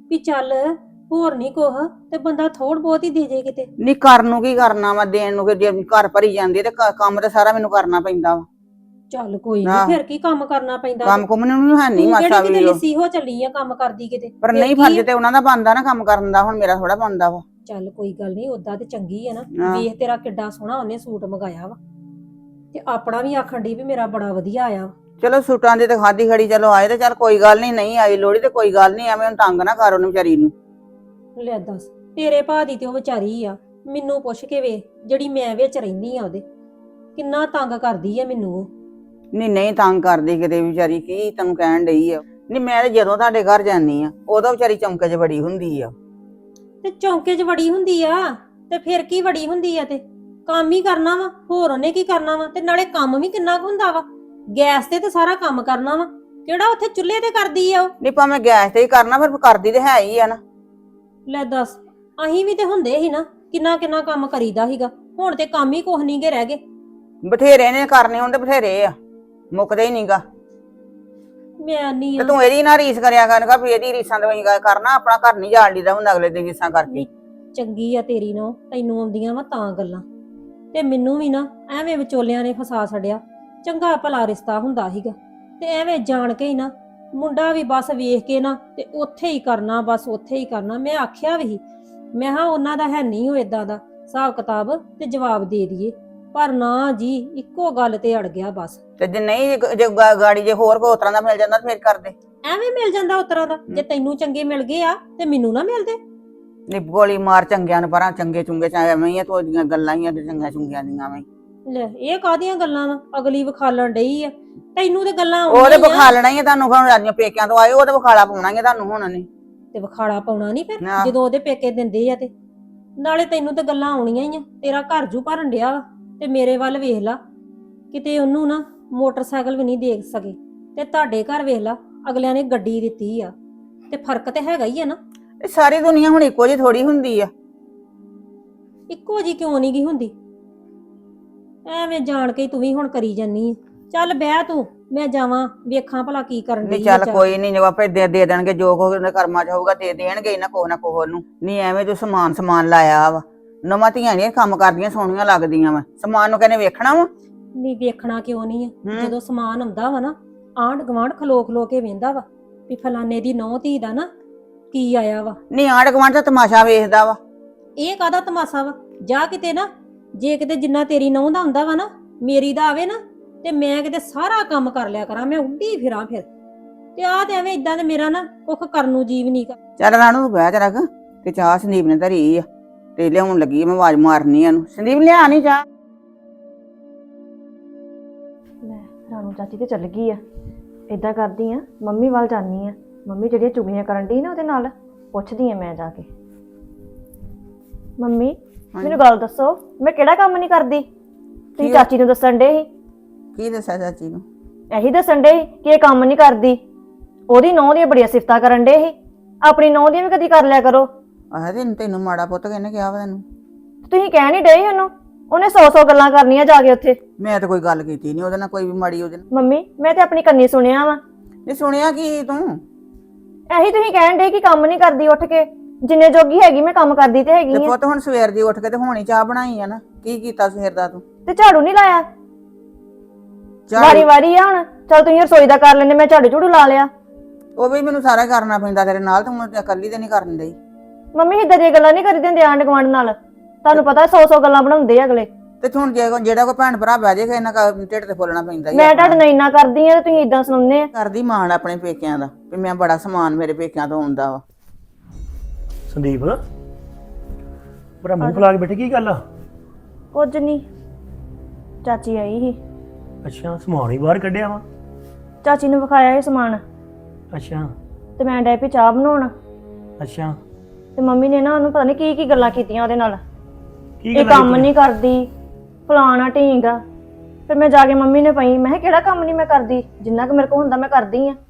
A: ਵੀ ਚੱਲ ਹੋਰ ਨਹੀਂ ਕੁਛ ਤੇ ਬੰਦਾ ਥੋੜ ਬਹੁਤ ਹੀ ਦੇ ਜੇ ਕਿਤੇ।
F: ਨਹੀਂ ਕਰਨ ਨੂੰ ਕੀ ਕਰਨਾ ਵਾ, ਦੇਣ ਨੂੰ ਕਿ ਜੇ ਘਰ ਭਰੀ ਜਾਂਦੀ ਹੈ ਤੇ ਕੰਮ ਤੇ ਸਾਰਾ ਮੈਨੂੰ ਕਰਨਾ ਪੈਂਦਾ ਵਾ।
A: ਚੱਲ ਕੋਈ
F: ਆਹ।
A: ਨਹੀਂ, ਫਿਰ ਕੀ ਕੰਮ ਕਰਨਾ ਪੈਂਦਾ।
F: ਕੰਮ ਕੁਮ ਨੂੰ ਹੈ ਨਹੀਂ
A: ਤੂੰ
F: ਮਾਸਾ
A: ਕਿਹੜੀ ਕਿਤੇ
F: ਵੀ ਉਹ।
A: ਲਿੱਸੀ ਹੋ ਚੱਲੀ ਆ ਕੰਮ ਕਰਦੀ ਕਿਤੇ।
F: ਪਰ
A: ਫਿਰ
F: ਨਹੀਂ
A: ਕੀ
F: ਫਰਜ਼
A: ਆ?
F: ਤੇ ਉਹਨਾਂ ਦਾ ਬਣਦਾ ਨਾ ਕੰਮ ਕਰਨ ਦਾ, ਹੁਣ ਮੇਰਾ ਥੋੜਾ ਬਣਦਾ ਵਾ।
A: ਚੱਲ ਕੋਈ ਗੱਲ ਨਹੀਂ, ਓਦਾਂ ਤੇ ਚੰਗੀ ਆ ਨਾ।
F: ਆਹ।
A: ਵੇਖ ਤੇਰਾ ਕਿੱਡਾ ਸੋਹਣਾ ਉਹਨੇ ਸੂਟ ਮੰਗਾਇਆ ਵਾ, ਤੇ ਆਪਣਾ ਵੀ ਆਖਣ ਡਈ ਵੀ ਮੇਰਾ ਬੜਾ ਵਧੀਆ ਆਇਆ ਵਾ।
F: ਚਲੋ ਸੂਟਾਂ ਦੀ ਤੇ ਖਾਦੀ ਖੜੀ ਚਲੋ ਆਏ ਤੇ ਚੱਲ ਕੋਈ ਗੱਲ ਨਹੀਂ, ਨਹੀਂ ਆਈ ਲੋੜੀ ਤੇ ਕੋਈ ਗੱਲ ਨਹੀਂ, ਐਵੇਂ ਉਹਨੂੰ ਤੰਗ ਨਾ ਕਰ ਉਹਨੂੰ ਵਿਚਾਰੀ ਨੂੰ।
A: ਲੈ ਦੱਸ, ਤੇਰੇ ਭਾ ਦੀ ਤੇ ਉਹ ਵਿਚਾਰੀ ਆ, ਮੈਨੂੰ ਪੁੱਛ ਕੇ ਵੇ ਜਿਹੜੀ ਮੈਂ ਵਿੱਚ ਰਹਿੰਦੀ ਆ ਉਹਦੇ, ਕਿੰਨਾ ਤੰਗ ਕਰਦੀ ਆ ਮੈਨੂੰ ਉਹ।
F: ਨਹੀਂ ਨਹੀਂ ਤੰਗ ਕਰਦੀ ਕਿਤੇ ਵਿਚਾਰੀ, ਕੀ ਤੈਨੂੰ ਕਹਿਣ ਡਈ ਆ। ਨਹੀਂ ਮੈਂ ਤੇ ਜਦੋਂ ਤੁਹਾਡੇ ਘਰ ਜਾਂਦੀ ਆ ਉਦੋਂ ਵਿਚਾਰੀ ਚੌਂਕੇ 'ਚ ਬੜੀ ਹੁੰਦੀ ਆ।
A: ਤੇ ਚੌਂਕੇ 'ਚ ਵੜੀ ਹੁੰਦੀ ਆ ਤੇ ਫਿਰ ਕੀ ਵੜੀ ਹੁੰਦੀ ਆ, ਤੇ ਕੰਮ ਹੀ ਕਰਨਾ ਵਾ, ਹੋਰ ਉਹਨੇ ਕੀ ਕਰਨਾ ਵਾ। ਤੇ ਨਾਲੇ ਕੰਮ ਵੀ ਕਿੰਨਾ ਕੁ ਹੁੰਦਾ ਵਾ, ਗੈਸ ਤੇ ਸਾਰਾ ਕੰਮ ਕਰਨਾ ਵਾ, ਕਿਹੜਾ ਉੱਥੇ ਚੁੱਲ੍ਹੇ ਤੇ ਕਰਦੀ ਆ ਉਹ।
F: ਨਹੀਂ ਭਾਵੇਂ ਗੈਸ ਤੇ ਹੀ ਕਰਨਾ, ਫਿਰ ਕਰਦੀ ਤੇ ਹੈ ਹੀ ਆ ਨਾ।
A: ਲੈ ਦੱਸ, ਅਸੀਂ ਵੀ ਤੇ ਹੁੰਦੇ ਸੀ ਨਾ, ਕਿੰਨਾ ਕਿੰਨਾ ਕੰਮ ਕਰੀਦਾ ਸੀਗਾ। ਹੁਣ ਤੇ ਕੰਮ ਹੀ ਕੁਛ ਨੀ ਗੇ ਰਹਿ ਗਏ।
F: ਬਥੇਰੇ ਨੇ ਕਰਨੇ ਹੁੰਦੇ, ਬਥੇਰੇ ਆ, ਮੁੱਕਦੇ ਹੀ ਨਹੀਂਗਾ।
A: ਮੈਂ ਨਹੀਂ
F: ਤੇ ਤੂੰ ਇਹਦੀ ਨਾ ਰੀਸ ਕਰਿਆ ਕਰਨਗਾ ਵੀ ਇਹਦੀ ਰੀਸਾਂ ਤੇ ਕਰਨਾ, ਆਪਣਾ ਘਰ ਨਹੀਂ ਜਾਣ ਲਈਦਾ ਹੁੰਦਾ ਅਗਲੇ ਦੀ ਰੀਸਾਂ ਕਰਕੇ।
A: ਚੰਗੀ ਆ ਤੇਰੀ ਨੂੰ, ਤੈਨੂੰ ਆਉਂਦੀਆਂ ਵਾ ਤਾਂ ਗੱਲਾਂ, ਤੇ ਮੈਨੂੰ ਵੀ ਨਾ ਐਵੇਂ ਵਿਚੋਲਿਆਂ ਨੇ ਫਸਾ ਛੱਡਿਆ। ਚੰਗਾ ਭਲਾ ਰਿਸ਼ਤਾ ਹੁੰਦਾ ਸੀਗਾ, ਤੇ ਐਵੇਂ ਜਾਣ ਕੇ ਹੀ ਨਾ ਮੁੰਡਾ ਵੀ ਬਸ ਵੇਖ ਕੇ ਨਾ ਤੇ ਉੱਥੇ ਹੀ ਕਰਨਾ, ਬਸ ਉੱਥੇ ਹੀ ਕਰਨਾ। ਮੈਂ ਆਖਿਆ ਵੀ ਮੈਂ ਹਾਂ ਉਹਨਾਂ ਦਾ ਹੈ ਨਹੀਂ ਉਹ ਏਦਾਂ ਦਾ ਹਿਸਾਬ ਕਿਤਾਬ ਤੇ ਜਵਾਬ ਦੇ ਦਈਏ, ਪਰ ਨਾ ਜੀ ਇੱਕੋ ਗੱਲ ਤੇ ਅੜ ਗਿਆ ਬਸ।
F: ਤੇ ਜੇ ਨਹੀਂ ਜੇ ਗਾੜੀ ਜੇ ਹੋਰ ਕੋਈ ਤਰ੍ਹਾਂ ਦਾ ਮਿਲ ਜਾਂਦਾ ਫਿਰ ਕਰਦੇ।
A: ਐਵੇਂ ਮਿਲ ਜਾਂਦਾ ਉਤਰਾ ਦਾ, ਜੇ ਤੈਨੂੰ ਚੰਗੇ ਮਿਲ ਗਏ ਆ ਤੇ ਮੈਨੂੰ ਨਾ ਮਿਲਦੇ।
F: ਨੀ ਗੋਲੀ ਮਾਰ ਚੰਗਿਆਂ ਨੂੰ ਪਰਾਂ, ਚੰਗੇ ਚੁੰਗੇ ਚਾਹੇ ਐਵੇਂ ਹੀ ਆ, ਤੁਹਾਡੀਆਂ ਗੱਲਾਂ ਹੀ ਆ ਕਿ ਚੰਗੀਆਂ ਚੁੰਗੀਆਂ ਦੀਆਂ ਐਵੇਂ।
A: ਲੈ ਇਹ ਕਾਹਦੀਆਂ ਗੱਲਾਂ ਵਾ, ਅਗਲੀ ਵਿਖਾਲਣ ਡਈ ਆ ਤੈਨੂੰ ਤੇ ਗੱਲਾਂ
F: ਉਹਦੇ
A: ਆਉਂਦੀਆਂ ਹੀ ਆ।
F: ਵਿਖਾਲਣਾ ਹੀ ਆ ਤੁਹਾਨੂੰ, ਹੁਣ ਰਾਜੀਆਂ ਪੇਕਿਆਂ ਤੋਂ ਆਏ ਉਹਦੇ ਵਿਖਾਲਾ ਪਾਉਣਾ ਹੀ ਆ ਤੁਹਾਨੂੰ ਹੁਣ ਨੇ।
A: ਤੇ ਵਿਖਾਲਾ ਪਾਉਣਾ ਨਹੀਂ ਫਿਰ
F: ਆਹ।
A: ਜਦੋਂ ਉਹਦੇ ਪੇਕੇ ਦਿੰਦੇ ਆ, ਤੇ ਨਾਲੇ ਤੈਨੂੰ ਤੇ ਗੱਲਾਂ ਆਉਣੀਆਂ ਹੀ ਆ। ਤੇਰਾ ਘਰ ਜੂ ਭਰਨ ਡਿਆ ਵਾ, ਤੇ ਮੇਰੇ ਵੱਲ ਵੇਖ ਲਾ, ਕਿਤੇ ਉਹਨੂੰ ਨਾ ਮੋਟਰਸਾਈਕਲ ਵੀ ਨਹੀਂ ਦੇਖ ਸਕੇ, ਤੇ ਤੁਹਾਡੇ ਘਰ ਵੇਖ ਲਾ ਅਗਲਿਆਂ ਨੇ ਗੱਡੀ ਦਿੱਤੀ ਆ, ਤੇ ਫਰਕ ਤੇ ਹੈਗਾ ਹੀ ਆ ਨਾ।
F: ਇਹ ਸਾਰੀ ਦੁਨੀਆ ਹੁਣ ਇੱਕੋ ਜਿਹੀ ਥੋੜੀ ਹੁੰਦੀ ਆ।
A: ਇੱਕੋ ਜੀ ਕਿਉਂ ਨਹੀਂ ਗਈ ਹੁੰਦੀ, ਐਵੇਂ ਜਾਣ ਕੇ ਤੂੰ ਵੀ ਹੁਣ ਕਰੀ ਜਾਨੀ ਆ। ਚੱਲ ਬਹਿ ਤੂੰ, ਮੈਂ ਜਾਵਾਂ ਵੇਖਾਂ ਭਲਾ ਕੀ ਕਰਨ
F: ਨਹੀਂ
A: ਡਈ ਆ
F: ਚੱਲ
A: ਜਾ
F: ਕੋਈ ਨਹੀਂ, ਆਪੇ ਦੇ ਦੇਣਗੇ ਜੋ ਕੁਝ ਉਹਦੇ ਕਰਮਾਂ 'ਚ ਹੋਊਗਾ, ਦੇ ਦੇਣਗੇ ਨਾ ਕੋਹ ਨਾ ਕੋਹ ਨੂੰ। ਨਹੀਂ ਐਵੇਂ ਤੂੰ ਸਮਾਨ ਲਾਇਆ ਵਾ, ਨਵਾਂ ਧੀਆਂ ਨੀ ਕੰਮ ਕਰਦੀਆਂ ਸੋਹਣੀਆਂ ਲੱਗਦੀਆਂ ਵਾ, ਸਮਾਨ ਨੂੰ ਕਹਿੰਦੇ ਵੇਖਣਾ ਵਾ।
A: ਨਹੀਂ ਵੇਖਣਾ ਕਿਉਂ ਨਹੀਂ ਆ, ਜਦੋਂ ਸਮਾਨ ਆਉਂਦਾ ਵਾ ਨਾ ਆਂਢ ਗੁਆਂਢ ਖਲੋ ਖਲੋ ਕੇ ਵੇਂਦਾ ਵਾ ਵੀ ਫਲਾਨੇ ਦੀ ਨੌਂ ਧੀ ਦਾ ਨਾ ਕੀ ਆਇਆ ਵਾ।
F: ਨਹੀਂ ਆਂਢ ਗੁਆਂਢ ਦਾ ਤਮਾਸ਼ਾ ਵੇਖਦਾ ਵਾ।
A: ਇਹ ਕਾਹਦਾ ਤਮਾਸ਼ਾ ਵਾ, ਜਾ ਕਿਤੇ ਨਾ, ਜੇ ਕਿਤੇ ਜਿੰਨਾ ਤੇਰੀ ਨੌਂ ਦਾ ਹੁੰਦਾ ਵਾ ਨਾ ਮੇਰੀ ਦਾ ਆਵੇ ਨਾ, ਤੇ ਮੈਂ ਕਿਤੇ ਸਾਰਾ ਕੰਮ ਕਰ ਲਿਆ ਕਰਾਂ, ਮੈਂ ਉੱਡੀ ਫਿਰਾਂ ਫਿਰ। ਤੇ ਆਹ ਤੇ ਐਵੇਂ ਇਦਾਂ ਤੇ ਮੇਰਾ ਨਾ ਕੁੱਖ ਕਰਨ ਨੂੰ ਜੀਵ ਨਹੀਂ ਕਰ।
F: ਚੱਲ ਰਾਣੂ ਤੂੰ ਬਹਿ ਜਾ, ਤੇ ਚਾਹ ਸੰਦੀਪ ਨੇ ਧਰੀ ਆ ਤੇ ਲਿਆਉਣ ਲੱਗੀ, ਮੈਂ ਆਵਾਜ਼ ਮਾਰਨੀ ਆ ਇਹਨੂੰ, ਸੰਦੀਪ ਲਿਆ ਨਹੀਂ ਚਾਹ।
C: ਲੈ ਰਾਣੂ ਚਾਚੀ ਤੇ ਚੱਲ ਗਈ ਆ। ਏਦਾਂ ਕਰਦੀ ਆ, ਮੰਮੀ ਵੱਲ ਜਾਨੀ ਆ, ਮੰਮੀ ਜਿਹੜੀਆਂ ਚੁਗਲੀਆਂ ਕਰਨ ਡਈ ਨਾ ਉਹਦੇ ਨਾਲ ਪੁੱਛਦੀ ਆ ਮੈਂ ਜਾ ਕੇ। ਮੰਮੀ ਮੈਨੂੰ ਗੱਲ ਦੱਸੋ, ਮੈਂ ਕਿਹੜਾ ਕੰਮ ਨਹੀਂ ਕਰਦੀ? ਤੁਸੀਂ ਚਾਚੀ ਨੂੰ ਦੱਸਣ ਡੇ ਸੀ।
F: ਕੀ ਦੱਸਿਆ ਚਾਚੀ ਨੂੰ?
C: ਇਹੀ ਦੱਸਣ ਡੇ ਸੀ ਕਿ ਇਹ ਕੰਮ ਨਹੀਂ ਕਰਦੀ। ਉਹਦੀ ਨੌਂ ਦੀਆਂ ਬੜੀਆਂ ਸਿਫਤਾਂ ਕਰਨ ਡੇ ਸੀ, ਆਪਣੀ ਨੌਂ ਦੀਆਂ ਵੀ ਕਦੀ ਕਰ ਲਿਆ ਕਰੋ।
F: ਆਹ ਤੈਨੂੰ ਮਾੜਾ ਪੁੱਤ ਕਿਹਨੇ ਕਿਹਾ ਵਾ ਤੈਨੂੰ?
C: ਤੁਸੀਂ ਕਹਿ ਨਹੀਂ ਡਏ ਉਹਨੂੰ, ਉਹਨੇ 100 ਗੱਲਾਂ ਕਰਨੀਆਂ ਜਾ ਕੇ ਉੱਥੇ।
F: ਮੈਂ ਤਾਂ ਕੋਈ ਗੱਲ ਕੀਤੀ ਨਹੀਂ ਉਹਦੇ ਨਾਲ, ਕੋਈ ਵੀ ਮਾੜੀ ਉਹਦੇ ਨਾਲ।
C: ਮੰਮੀ ਮੈਂ ਤੇ ਆਪਣੀ ਕੰਨੀ ਸੁਣਿਆ ਵਾ।
F: ਨਹੀਂ ਸੁਣਿਆ ਕੀ ਤੂੰ?
C: ਇਹੀ ਤੁਸੀਂ ਕਹਿਣ ਡੇ ਕਿ ਕੰਮ ਨਹੀਂ ਕਰਦੀ, ਉੱਠ ਕੇ ਜਿੰਨੇ ਜੋਗੀ ਹੈਗੀ ਮੈਂ ਕੰਮ ਕਰਦੀ ਤੇ ਹੈਗੀ
F: ਤੇ
C: ਆ।
F: ਪੁੱਤ ਹੁਣ ਸਵੇਰ ਦੀ ਉੱਠ ਕੇ ਤੇ ਹੁਣੀ ਚਾਹ ਬਣਾਈ ਆ ਨਾ, ਕੀ ਕੀਤਾ ਸਵੇਰ ਦਾ ਤੂੰ?
C: ਤੇ ਝਾੜੂ ਨਹੀਂ ਲਾਇਆ? ਵਾਰੀ ਵਾਰੀ ਆ ਹੁਣ, ਚਲ ਤੁਸੀਂ ਰਸੋਈ ਦਾ ਕਰ ਲੈਂਦੇ, ਮੈਂ ਝਾੜੂ ਝੂੜੂ ਲਾ ਲਿਆ।
F: ਉਹ ਵੀ ਮੈਨੂੰ ਸਾਰਾ ਕਰਨਾ ਪੈਂਦਾ ਤੇਰੇ ਨਾਲ, ਤੂੰ ਇਕੱਲੀ ਤੇ ਨਹੀਂ ਕਰਨ ਡਈ।
C: ਮੰਮੀ ਏਦਾਂ ਦੀਆਂ ਗੱਲਾਂ ਨਹੀਂ ਕਰੀ ਦਿੰਦੇ ਆਂਢ ਗੁਆਂਢ ਨਾਲ, ਤੁਹਾਨੂੰ ਪਤਾ 100 ਗੱਲਾਂ ਬਣਾਉਂਦੇ ਆ ਅਗਲੇ।
F: ਤੇ ਹੁਣ ਜਿਹੜਾ ਕੋਈ ਭੈਣ ਭਰਾ ਬਹਿ ਜਾਏਗਾ ਇਹਨਾਂ ਢਿੱਡ ਤੇ ਫੁੱਲਣਾ ਪੈਂਦਾ।
C: ਮੈਂ ਤੁਹਾਡੇ ਨਾਲ ਇੰਨਾ ਕਰਦੀ ਆ ਤੇ ਤੁਸੀਂ ਇਦਾਂ ਸੁਣਾਉਂਦੇ ਆ।
F: ਕਰਦੀ ਮਾਣ ਆਪਣੇ ਪੇਕਿਆਂ ਦਾ ਵੀ ਮੈਂ ਬੜਾ ਸਮਾਨ ਮੇਰੇ ਪੇਕਿਆਂ ਤੋਂ ਆਉਂਦਾ ਵਾ।
D: ਸੰਦੀਪ ਬੜਾ ਮੂੰਹ ਫੁਲਾ ਕੇ ਬੈਠੇ, ਕੀ ਗੱਲ ਆ?
C: ਕੁਝ ਨਹੀਂ, ਚਾਚੀ ਆਈ ਸੀ।
D: ਅੱਛਾ ਸਮਾਨ ਹੀ ਬਾਹਰ ਕੱਢਿਆ ਵਾ?
C: ਚਾਚੀ ਨੂੰ ਵਿਖਾਇਆ ਇਹ ਸਮਾਨ,
D: ਅੱਛਾ
C: ਤੇ ਮੈਂ ਡੈ ਪਈ ਚਾਹ ਬਣਾਉਣ।
D: ਅੱਛਾ
C: ਤੇ ਮੰਮੀ ਨੇ ਨਾ ਉਹਨੂੰ ਪਤਾ ਨਹੀਂ ਕੀ ਗੱਲਾਂ ਕੀਤੀਆਂ ਉਹਦੇ ਨਾਲ।
D: ਕੀ
C: ਇਹ ਕੰਮ ਨਹੀਂ ਕਰਦੀ, ਫਲਾਣਾ ਢੀਂਗਾ। ਫਿਰ ਮੈਂ ਜਾ ਕੇ ਮੰਮੀ ਨੇ ਪਈ, ਮੈਂ ਕਿਹਾ ਕਿਹੜਾ ਕੰਮ ਨਹੀਂ ਮੈਂ ਕਰਦੀ, ਜਿੰਨਾ ਕੁ ਮੇਰੇ ਕੋਲ ਹੁੰਦਾ ਮੈਂ ਕਰਦੀ ਆ।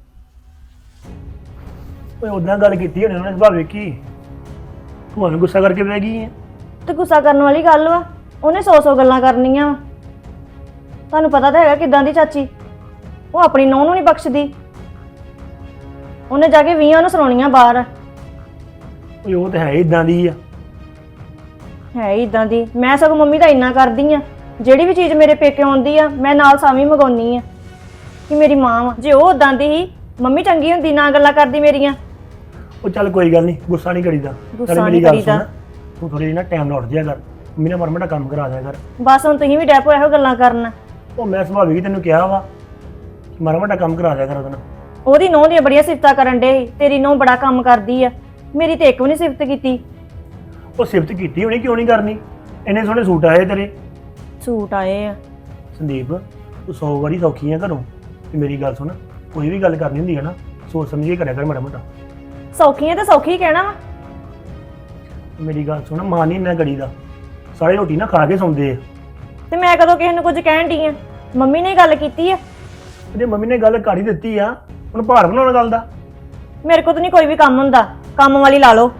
D: ਓਏ ਉਦਾਂ ਗੱਲ ਕੀਤੀ ਹੋਣੀ ਉਹਨੇ, ਸੁਭਾਅ ਵੇਖੀ ਤੁਹਾਨੂੰ ਗੁੱਸਾ ਕਰਕੇ ਬਹਿ ਗਈ ਹੈ।
C: ਤੇ ਗੁੱਸਾ ਕਰਨ ਵਾਲੀ ਗੱਲ ਵਾ, ਉਹਨੇ 100 ਗੱਲਾਂ ਕਰਨੀਆਂ ਵਾ। ਤੁਹਾਨੂੰ ਪਤਾ ਤਾਂ ਹੈਗਾ ਕਿਦਾਂ ਦੀ ਚਾਚੀ, ਉਹ ਆਪਣੀ ਨੂੰਹ ਨੂੰ ਨਹੀਂ ਬਖਸ਼ਦੀ। ਉਹਨੇ ਜਾ ਕੇ 20 ਨੂੰ ਸੁਣਾਉਣੀਆਂ ਬਾਹਰ
D: ਓਏ ਉਹ ਤਾਂ ਹੈ ਇਦਾਂ ਦੀ ਆ।
C: ਹੈ ਇਦਾਂ ਦੀ। ਮੈਂ ਸਗੋਂ ਮੰਮੀ ਦਾ ਇੰਨਾ ਕਰਦੀ ਆ, ਜਿਹੜੀ ਵੀ ਚੀਜ਼ ਮੇਰੇ ਪੇਕੇ ਆਉਂਦੀ ਆ ਮੈਂ ਨਾਲ ਸਾਵੀਂ ਮੰਗਾਉਣੀ ਆ ਕਿ ਮੇਰੀ ਮਾਂ ਵਾ। ਜੇ ਉਹ ਉਦਾਂ ਦੀ ਹੀ ਮੰਮੀ ਚੰਗੀ ਹੁੰਦੀ ਨਾ ਗੱਲਾਂ ਕਰਦੀ ਮੇਰੀਆਂ।
D: ਉਹ ਚੱਲ ਕੋਈ ਗੱਲ ਨਹੀਂ, ਗੁੱਸਾ ਨਹੀਂ ਕਰੀਦਾ।
C: ਗੁੱਸਾ
D: ਚੱਲ
C: ਨੀ
D: ਮੇਰੀ ਗੱਲ
C: ਕਰੀਦਾ।
D: ਸੁਣ, ਤੂੰ ਥੋੜੀ ਜਿਹੀ ਨਾ ਟਾਈਮ ਨਾਲ ਉੱਠ ਜਿਆ ਕਰ, ਮੰਮੀ ਨਾਲ ਮਾੜਾ ਮੋਟਾ ਕੰਮ ਕਰਾ ਦਿਆ ਕਰ।
C: ਬਸ ਹੁਣ ਤੁਸੀਂ ਵੀ ਡੈਪੋ ਇਹੋ ਗੱਲਾਂ ਕਰਨ।
D: ਉਹ ਮੈਂ ਸੁਭਾਵਿਕ ਹੀ ਤੈਨੂੰ ਕਿਹਾ ਵਾ ਕਿ ਮਾੜਾ ਮੋਟਾ ਕੰਮ ਕਰਾ ਦਿਆ ਕਰ ਉਹਦੇ ਨਾਲ।
C: ਉਹਦੀ ਨੂੰਹ ਦੀਆਂ ਬੜੀਆਂ ਸਿਫਤਾਂ ਕਰਨ ਡੇ ਸੀ, ਤੇਰੀ ਨੂੰਹ ਬੜਾ ਕੰਮ ਕਰਦੀ ਆ, ਮੇਰੀ ਤੇ ਇੱਕ ਵੀ ਨਹੀਂ ਸਿਫਤ ਕੀਤੀ।
D: ਉਹ ਸਿਫਤ ਕੀਤੀ ਹੋਣੀ, ਕਿਉਂ ਨਹੀਂ ਕਰਨੀ? ਇੰਨੇ ਸੋਹਣੇ ਸੂਟ ਆਏ ਤੇਰੇ।
C: ਸੂਟ ਆਏ ਆ।
D: ਸੰਦੀਪ ਤੂੰ 100 ਵਾਰੀ ਸੌਖੀ ਆ ਘਰੋਂ, ਤੇ ਮੇਰੀ ਗੱਲ ਸੁਣ, ਕੋਈ ਵੀ ਗੱਲ ਕਰਨੀ ਹੁੰਦੀ ਹੈ ਨਾ ਸੋਚ ਸਮਝ ਕੇ ਕਰਿਆ ਕਰ ਮਾੜਾ ਮੋਟਾ।
C: ਸੌਖੀਆਂ ਤੇ ਸੌਖੀ ਕਹਿਣਾ ਵਾ।
D: ਮੇਰੀ ਗੱਲ ਸੁਣ, ਮਾਂ ਨਹੀਂ ਇੰਨਾ ਕਰੀਦਾ, ਸਾਰੇ ਰੋਟੀ ਨਾ ਖਾ ਕੇ ਸੌਂਦੇ ਆ।
C: ਤੇ ਮੈਂ ਕਦੋਂ ਕਿਸੇ ਨੂੰ ਕੁਝ ਕਹਿਣ ਡਈ ਆ? ਮੰਮੀ ਨੇ ਗੱਲ ਕੀਤੀ ਆ।
D: ਜੇ ਮੰਮੀ ਨੇ ਗੱਲ ਕਰ ਹੀ ਦਿੱਤੀ ਆ, ਹੁਣ ਭਾਰ ਬਣਾਉਣ ਗੱਲ ਦਾ।
C: ਮੇਰੇ ਕੋਲ ਤਾਂ ਨਹੀਂ ਕੋਈ ਵੀ ਕੰਮ ਹੁੰਦਾ, ਕੰਮ ਵਾਲੀ ਲਾ ਲਓ।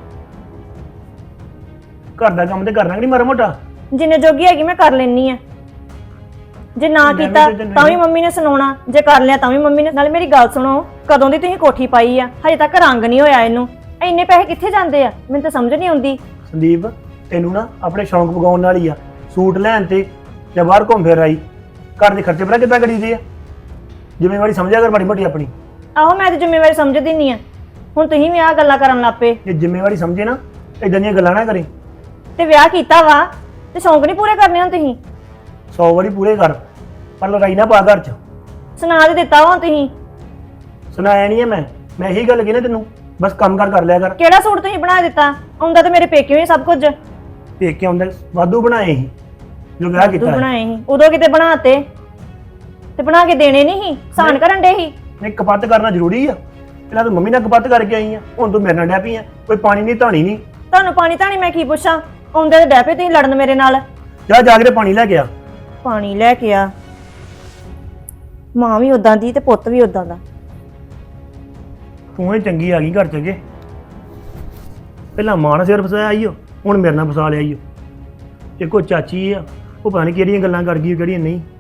D: ਘਰ ਦਾ ਕੰਮ ਤੇ ਕਰਨਾ ਕਿ ਨਹੀਂ ਮਾੜਾ ਮੋਟਾ?
C: ਜਿੰਨੇ ਜੋਗੀ ਹੈਗੀ ਮੈਂ ਕਰ ਲੈਣੀ ਆ। ਜੇ ਨਾ
D: ਮੈਂ ਵੀ
C: ਕੀਤਾ
D: ਤੇ ਤੈਨੂੰ
C: ਤਾਂ ਵੀ ਮੰਮੀ ਨੇ ਸੁਣਾਉਣਾ, ਜੇ ਕਰ ਲਿਆ ਤਾਂ ਵੀ ਮੰਮੀ ਨੇ। ਨਾਲੇ ਮੇਰੀ ਗੱਲ ਸੁਣੋ, ਕਦੋਂ ਦੀ ਤੁਸੀਂ ਕੋਠੀ ਪਾਈ ਆ, ਹਜੇ ਤੱਕ ਰੰਗ ਨਹੀਂ ਹੋਇਆ ਇਹਨੂੰ। ਇੰਨੇ ਪੈਸੇ ਕਿੱਥੇ ਜਾਂਦੇ ਆ, ਮੈਨੂੰ ਤਾਂ ਸਮਝ ਨਹੀਂ ਆਉਂਦੀ।
D: ਸੰਦੀਪ ਤੈਨੂੰ ਨਾ ਆਪਣੇ ਸ਼ੌਂਕ ਪਗਾਉਣ ਨਾਲ ਹੀ ਆ, ਸੂਟ ਲੈਣ ਤੇ ਜਾਂ ਬਾਹਰ ਘੁੰਮ ਫਿਰ ਆਈ। ਘਰ ਦੇ ਖਰਚੇ ਪਤਾ ਕਿੱਦਾਂ ਕਰੀਦੇ ਆ? ਜ਼ਿੰਮੇਵਾਰੀ ਸਮਝਿਆ ਕਰ ਮਾੜੀ ਮੋਟੀ ਆਪਣੀ।
C: ਆਹੋ ਮੈਂ ਤਾਂ ਜ਼ਿੰਮੇਵਾਰੀ ਸਮਝਦੀ ਨਹੀਂ ਆ, ਹੁਣ ਤੁਸੀਂ ਵੀ ਆਹ ਗੱਲਾਂ ਕਰਨ ਲੱਗ ਪਏ।
D: ਜੇ ਜ਼ਿੰਮੇਵਾਰੀ ਸਮਝੇ ਨਾ, ਇਦਾਂ ਦੀਆਂ ਗੱਲਾਂ ਨਾ ਕਰੇ।
C: ਤੇ ਵਿਆਹ ਕੀਤਾ ਵਾ ਤੇ ਸ਼ੌਂਕ ਨਹੀਂ ਪੂਰੇ ਕਰਨੇ ਹੁਣ ਤੁਸੀਂ।
D: 100 ਵਾਰੀ ਪੂਰੇ ਕਰ, ਪਰ ਲੜਾਈ ਨਾ ਪਾ ਘਰ 'ਚ।
C: ਸੁਣਾ ਦੇ ਦਿੱਤਾ ਵਾ ਤੁਸੀਂ।
D: ਸੁਣਾਇਆ ਨਹੀਂ ਹੈ ਮੈਂ ਇਹੀ ਗੱਲ ਕਹੀ ਨਾ ਤੈਨੂੰ, ਬਸ ਕੰਮ ਕਰ ਲਿਆ ਕਰ।
C: ਕਿਹੜਾ ਸੂਟ ਤੁਸੀਂ ਬਣਾ ਦਿੱਤਾ? ਆਉਂਦਾ ਤੇ ਮੇਰੇ ਪੇਕਿਓ ਹੀ ਸਭ ਕੁਝ।
D: ਦੇਖ ਕੇ ਆਉਂਦਾ ਵਾਧੂ ਬਣਾਏ ਸੀ ਜੋ ਵਿਆਹ
C: ਤੂੰ
D: ਕੀਤਾ ਹੈ।
C: ਬਣਾਏ ਸੀ ਉਦੋਂ, ਕਿਤੇ ਬਣਾਤੇ ਤੇ ਬਣਾ ਕੇ ਦੇਣੇ ਨਹੀਂ ਸੀ, ਸਾਨ ਕਰਨ ਡੇ ਸੀ।
D: ਨਹੀਂ, ਕਪੱਤ ਕਰਨਾ ਜ਼ਰੂਰੀ ਆ? ਪਹਿਲਾਂ ਤੂੰ ਮੰਮੀ ਨਾਲ ਕਪੱਤ ਕਰਕੇ ਆਈ ਆ, ਹੁਣ ਤੂੰ ਮੇਰੇ ਨਾਲ ਡੈ ਪਈ ਆ। ਕੋਈ ਪਾਣੀ ਨਹੀਂ ਧਾਣੀ ਨਹੀਂ।
C: ਤੁਹਾਨੂੰ ਪਾਣੀ ਧਾਣੀ ਮੈਂ ਕੀ ਪੁੱਛਾਂ? ਆਉਂਦੇ ਤੇ ਡੈਪੇ ਤੁਸੀਂ ਲੜਨ ਮੇਰੇ ਨਾਲ।
D: ਜਾ ਕੇ ਤੇ ਪਾਣੀ ਲੈ ਕੇ ਆ।
C: ਪਾਣੀ ਲੈ ਕੇ ਆ। ਮਾਂ ਵੀ ਉਦਾਂ ਦੀ ਤੇ ਪੁੱਤ ਵੀ ਉਦਾਂ ਦਾ।
D: ਤੂੰ ਹੀ ਚੰਗੀ ਆ ਗਈ ਘਰ 'ਚ ਕੇ। ਪਹਿਲਾਂ ਮਾਂ ਨਾਲ ਸਿਰ ਫਸਾਇਆ ਆਈਓ, ਹੁਣ ਮੇਰੇ ਨਾਲ ਫਸਾ ਲਿਆ ਆਈਓ। ਇੱਕੋ ਚਾਚੀ ਆ, ਉਹ ਪਤਾ ਨਹੀਂ ਕਿਹੜੀਆਂ ਗੱਲਾਂ ਕਰ ਗਈ ਕਿਹੜੀਆਂ ਨਹੀਂ।